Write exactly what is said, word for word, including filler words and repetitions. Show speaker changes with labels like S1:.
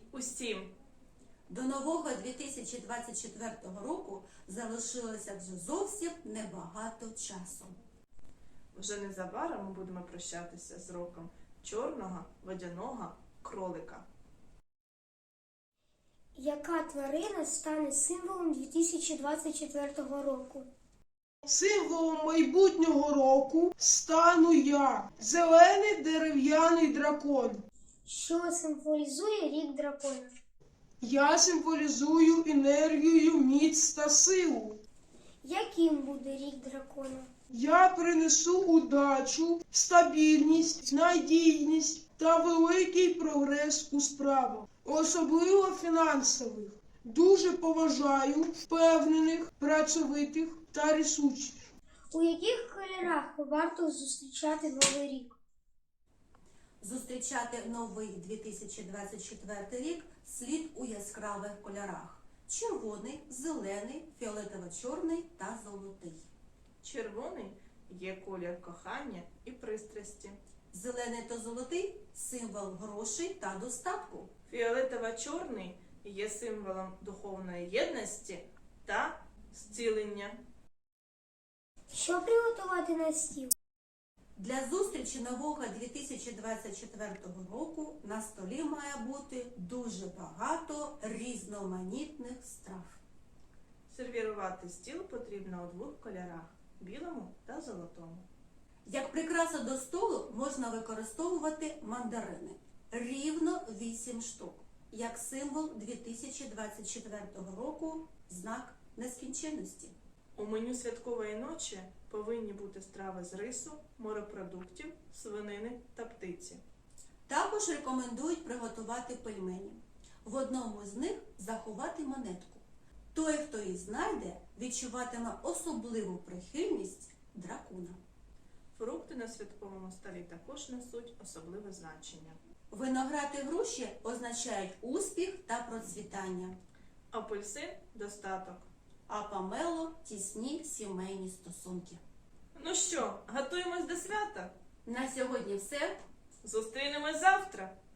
S1: усім!
S2: До нового дві тисячі двадцять четвертого року залишилося вже зовсім небагато часу.
S1: Вже незабаром ми будемо прощатися з роком чорного водяного кролика.
S3: Яка тварина стане символом дві тисячі двадцять четвертого року?
S4: Символом майбутнього року стану я – зелений дерев'яний дракон.
S3: Що символізує рік дракона?
S4: Я символізую енергію, міць та силу.
S3: Яким буде рік дракона?
S4: Я принесу удачу, стабільність, надійність та великий прогрес у справах, особливо фінансових. Дуже поважаю впевнених, працьовитих та рішучих.
S3: У яких кольорах варто зустрічати Новий рік?
S2: Зустрічати новий дві тисячі двадцять четвертий рік слід у яскравих кольорах: червоний, зелений, фіолетово-чорний та золотий.
S1: Червоний є колір кохання і пристрасті.
S2: Зелений та золотий – символ грошей та достатку.
S1: Фіолетово-чорний є символом духовної єдності та зцілення.
S3: Що приготувати на стіл?
S2: Для зустрічі нового дві тисячі двадцять четвертого року на столі має бути дуже багато різноманітних страв.
S1: Сервірувати стіл потрібно у двох кольорах – білому та золотому.
S2: Як прикраса до столу можна використовувати мандарини. Рівно вісім штук. Як символ дві тисячі двадцять четвертого року – знак нескінченності.
S1: У меню святкової ночі повинні бути страви з рису, морепродуктів, свинини та птиці.
S2: Також рекомендують приготувати пельмені. В одному з них заховати монетку. Той, хто її знайде, відчуватиме особливу прихильність дракона.
S1: Фрукти на святковому столі також несуть особливе значення.
S2: Виноград і груші означають успіх та процвітання,
S1: Апельсин – достаток.
S2: а помело – тісні сімейні стосунки.
S1: Ну що, готуємось до свята?
S2: На сьогодні все.
S1: Зустрінемось завтра!